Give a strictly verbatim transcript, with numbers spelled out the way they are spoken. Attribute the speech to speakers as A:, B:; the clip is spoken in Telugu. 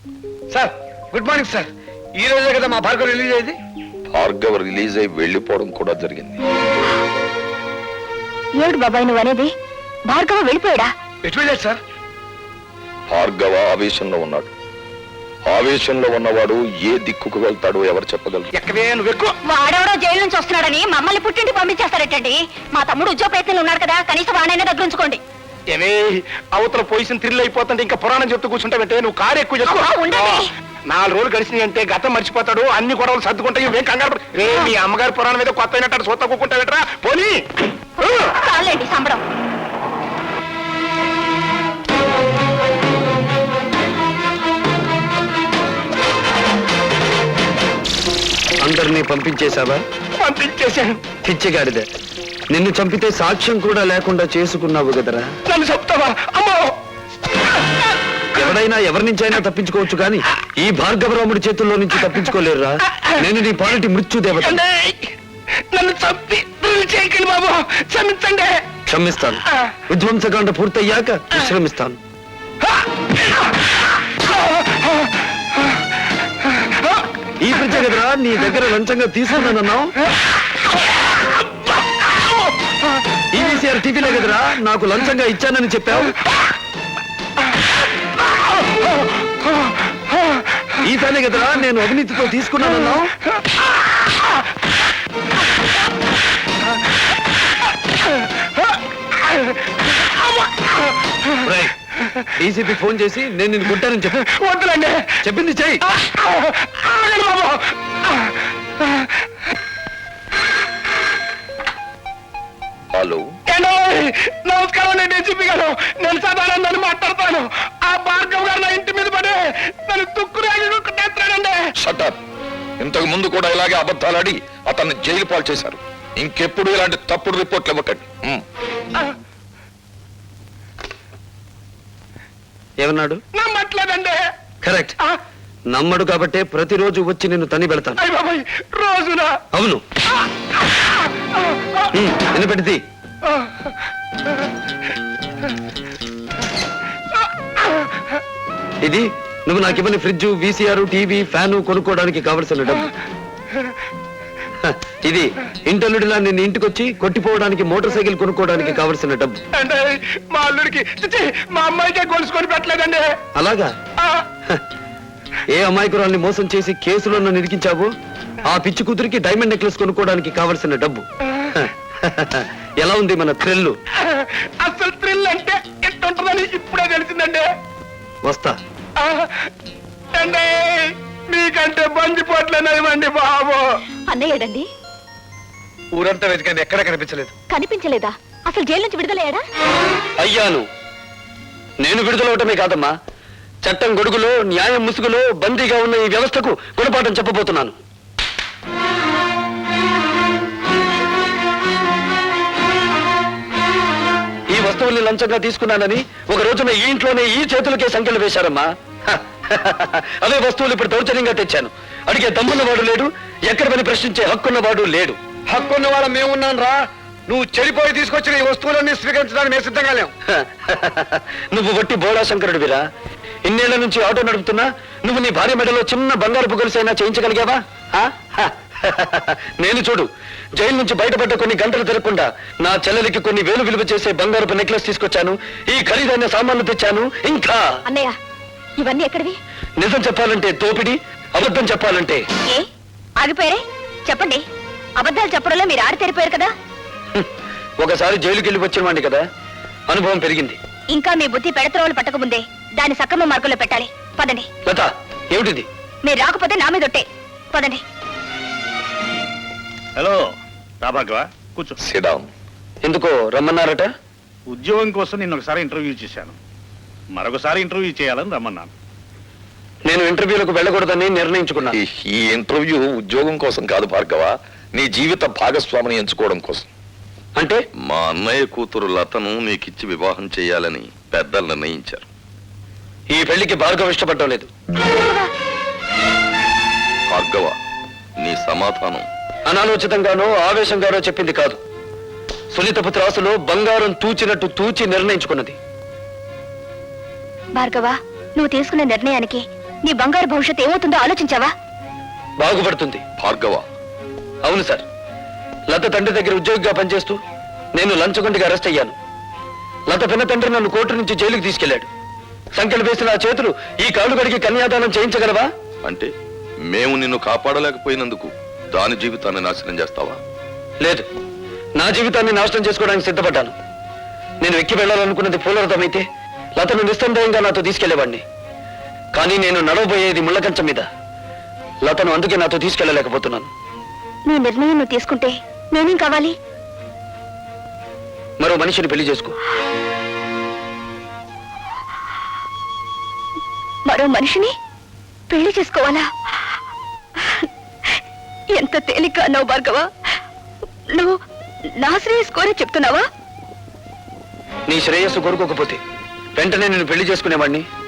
A: Sir good morning sir. ఈ రోజే కదా మా భార్గవ్ రిలీజ్ అయింది.
B: భార్గవ్ రిలీజ్ అయి వెళ్ళిపోవడం కూడా జరిగింది.
C: ఏడు బాబాయ్ నువ్వు అనేది? భార్గవ వెళ్ళిపోయాడా?
A: ఎటు వెళ్ళాడు సార్?
B: భార్గవ ఆవేశంలో ఉన్నాడు. ఆవేశంలో ఉన్నవాడు ఏ దిక్కుకు వెళ్తాడో ఎవరు చెప్పగలరు?
A: ఎక్కడే నువ్వు ఎక్కువ.
C: వాడెవడో జైలు నుంచి వస్తున్నాడని మమ్మల్ని పుట్టింటి పంపించేస్తారటండి. మా తమ్ముడు ఉద్యోగ ప్రయత్నంలో ఉన్నాడు కదా, కనీసం వాడైనా దగ్గర ఉంచుకోండి.
A: ఏమే అవతల పొజిషన్ థ్రిల్ అయిపోతుంటే ఇంకా పురాణం చెప్తూ కూర్చుంటావంటే నువ్వు కారు ఎక్కువ చేసుకో. నాలుగు రోజులు గడిచినాయి అంటే గతం మర్చిపోతాడు, అన్ని గొడవలు సర్దుకుంటాయి. ఇవేం కంగారు రే, మీ అమ్మగారి పురాణం మీద కొత్త అయినట్టు సొత్త కూకుంటావేట్రా పోనీ.
C: చాలండి సంబరం.
D: అందరినీ పంపించేశావా?
A: పంపించేశాను.
D: పిచ్చిగాడిదే, నిన్ను చంపితే సాక్ష్యం కూడా లేకుండా చేసుకున్నావు కదరా.
A: నన్ను చెప్తావా? అమ్మో,
D: ఎవడైనా ఎవరి నుంచైనా తప్పించుకోవచ్చు కానీ ఈ భార్గవరాముడి చేతుల్లో నుంచి తప్పించుకోలేరురా. నేను నీ పాలిటి మృత్యుదేవత.
A: నన్ను చంపి చేయకండి బాబు, క్షమించండి.
D: క్షమిస్తాను. విధ్వంసకాండ పూర్తయ్యాక విశ్రమిస్తాను. ఈ పిచ్చ కదరా నీ దగ్గర లంచంగా తీసుకున్నానన్నావు. ఈవీసీఆర్ టీవీలో కదరా నాకు లంచంగా ఇచ్చానని చెప్పావు. ఈ తానే కదరా నేను అవినీతితో తీసుకున్నానన్నావు. డీసీపీ ఫోన్ చేసి నేను నిన్ను కొట్టానని చెప్పు.
A: వద్దులండి,
D: చెప్పింది చెయ్యి.
B: హలో,
A: నమస్కారం. నేను డీసీపీ గారు, నేను సదానందని మాట్లాడతాను. ఆ భార్గవ్ గారు నా ఇంటి మీద పడి నన్ను తుక్కురేస్తానండి.
B: షటప్. ఇంతకు ముందు కూడా ఇలాగే అబద్ధాలాడి అతన్ని జైలు పాలు చేశారు. ఇంకెప్పుడు ఇలాంటి తప్పుడు రిపోర్ట్లు ఇవ్వకండి.
D: ఏమన్నాడు?
A: నమ్మట్లేదండి.
D: కరెక్ట్. నమ్మడు కాబట్టే ప్రతిరోజు వచ్చి నిన్ను తని పెడతాను.
A: అయ్య బాబాయ్, రోజునా?
D: అవును. వినపెడితే ఇది నువ్వు నాకు ఇవ్వని ఫ్రిడ్జ్, వీసీఆర్, టీవీ, ఫ్యాను కొనుక్కోవడానికి కావలసిన డబ్బు. ఇది ఇంటల్లుడిలా నిన్ను ఇంటికొచ్చి కొట్టిపోవడానికి మోటార్ సైకిల్ కొనుక్కోవడానికి కావలసిన డబ్బు.
A: అంటే మా అల్లుడికి చిచి, మా అమ్మాయికే గొలుసుకొని పెట్టలేదండి.
D: అలాగా? ఏ అమాయకురాల్ని మోసం చేసి కేసులో నన్ను ఇరికించావు ఆ పిచ్చి కూతురికి డైమండ్ నెక్లెస్ కొనుక్కోవడానికి కావలసిన డబ్బు. ఎలా ఉంది మన థ్రిల్?
A: అసలు థ్రిల్ అంటే ఎట్టుంటుందని ఇప్పుడే తెలిసిందండి.
D: వస్తా.
A: అండి మీకంటే బందిపోట్లేనివ్వండి బాబు.
C: అన్నయ్యడండి?
A: ఊరంతా వెతికండి, ఎక్కడ కనిపించలేదు.
C: కనిపించలేదా? అసలు జైలు నుంచి విడుదలయ్యాడా?
D: అయ్యాను. నేను విడుదలవటమే కాదమ్మా, చట్టం గొడుగులో న్యాయం ముసుగులో బందీగా ఉన్న ఈ వ్యవస్థకు గుణపాఠం చెప్పబోతున్నాను. ఈ వస్తువుల్ని లంచంగా తీసుకున్నానని ఒక రోజున ఈ ఇంట్లోనే ఈ చేతులకే సంఖ్యలు వేశారమ్మా. అదే వస్తువులు ఇప్పుడు దౌర్జన్యంగా తెచ్చాను. అడిగే దమ్మున్నవాడు లేడు, ఎక్కడ పని ప్రశ్నించే హక్కున్నవాడు లేడు.
A: హక్కున్న వాళ్ళ మేమున్నాను రా. నువ్వు చెడిపోయి తీసుకొచ్చిన ఈ వస్తువులన్నీ స్వీకరించడానికి మేము సిద్ధంగా లేవు.
D: నువ్వు వట్టి బోళా శంకరుడివిరా. ఇన్నేళ్ల నుంచి ఆటో నడుపుతున్నా నువ్వు నీ భార్య మెడలో చిన్న బంగారు పొగలుసైనా చేయించగలిగావా? నేను చూడు, జైలు నుంచి బయటపడ్డ కొన్ని గంటలు తిరగకుండా నా చెల్లెలికి కొన్ని వేలు విలువ చేసే బంగారపు నెక్లెస్ తీసుకొచ్చాను, ఈ ఖరీదైన సామాన్లు తెచ్చాను. ఇంకా
C: అన్నయ్య ఇవన్నీ ఎక్కడివి?
D: నిజం చెప్పాలంటే తోపిడి, అబద్ధం చెప్పాలంటే.
C: ఏ ఆగిపోయారే? చెప్పండి. అబద్ధాలు చెప్పడంలో మీరు ఆడి తెరిపోయారు కదా.
D: ఒకసారి జైలుకి వెళ్ళి వచ్చిన వాడిని కదా, అనుభవం పెరిగింది.
C: ఇంకా మీ బుద్ధి పెడత్రోలు పట్టకముందే దాన్ని సక్రమ మార్గంలో పెట్టాలి. పదండి.
D: లత, ఏమిటిది?
C: మీరు రాకపోతే నా మీద ఒట్టే. పదండి.
E: హలో రాభాగవ, కూర్చో.
B: సిడాం.
D: ఎందుకో రమ్మన్నారట?
E: ఉద్యోగం కోసం నిన్న ఒకసారి ఇంటర్వ్యూ చేశాను, మరొకసారి ఇంటర్వ్యూ చేయాలని రమ్మన్నాను.
D: నేను ఇంటర్వ్యూలకు వెళ్ళకూడదని నిర్ణయించుకున్నాను.
B: ఈ ఇంటర్వ్యూ ఉద్యోగం కోసం కాదు భార్గవ, నీ జీవిత భాగస్వామిని ఎంచుకోవడం కోసం.
D: అంటే
B: మా అన్నయ్య కూతురు లతను నీకిచ్చి వివాహం చేయాలని పెద్దలు నిర్ణయించారు.
D: ఈ పెళ్లికి భార్గవ ఇష్టపడటం లేదు.
B: భార్గవ, నీ సమాధానం
D: అనాలోచితంగానో ఆవేశంగానో చెప్పింది కాదు. సునీతపు త్రాసులో బంగారం తూచినట్టు తూచి నిర్ణయించుకున్నది.
C: భార్గవ, నువ్వు తీసుకున్న నిర్ణయానికి నీ బంగారు భవిష్యత్తు ఏమవుతుందో ఆలోచించావా?
D: బాగుపడుతుంది.
B: భార్గవ,
D: అవును సార్, లత తండ్రి దగ్గర ఉద్యోగిగా పనిచేస్తూ నేను లంచగొండిగా అరెస్ట్ అయ్యాను. లత పిన్న తండ్రి నన్ను కోర్టు నుంచి జైలుకి తీసుకెళ్లాడు. సంఖ్యలు వేసిన ఆ చేతులు ఈ కాళ్ళు కడిగి కన్యాదానం చేయించగలవా?
B: అంటే మేము నిన్ను కాపాడలేకపోయినందుకు దాని జీవితాన్ని నాశనం చేస్తావా?
D: లేదు, నా జీవితాన్ని నాశనం చేసుకోవడానికి సిద్ధపడ్డాను. నేను ఎక్కి వెళ్ళాలనుకున్నది పూలరథమైతే లతను నిస్సందేహంగా నాతో తీసుకెళ్లేవాడిని. కానీ నేను నడవబోయేది ముళ్ళకంచం మీద. లతను అందుకే నాతో తీసుకెళ్లలేకపోతున్నాను.
C: నీ నిర్ణయం నువ్వు తీసుకుంటే నేనేం కావాలి?
D: మరో మనిషిని పెళ్లి చేసుకో.
C: మరో మనిషిని పెళ్లి చేసుకోవాలా? ఎంత తేలిక అన్నావు భార్గవ. నువ్వు నా శ్రేయస్ కోరే చెప్తున్నావా?
D: నీ శ్రేయస్సు కోరుకోకపోతే వెంటనే నేను పెళ్లి చేసుకునేవాడిని.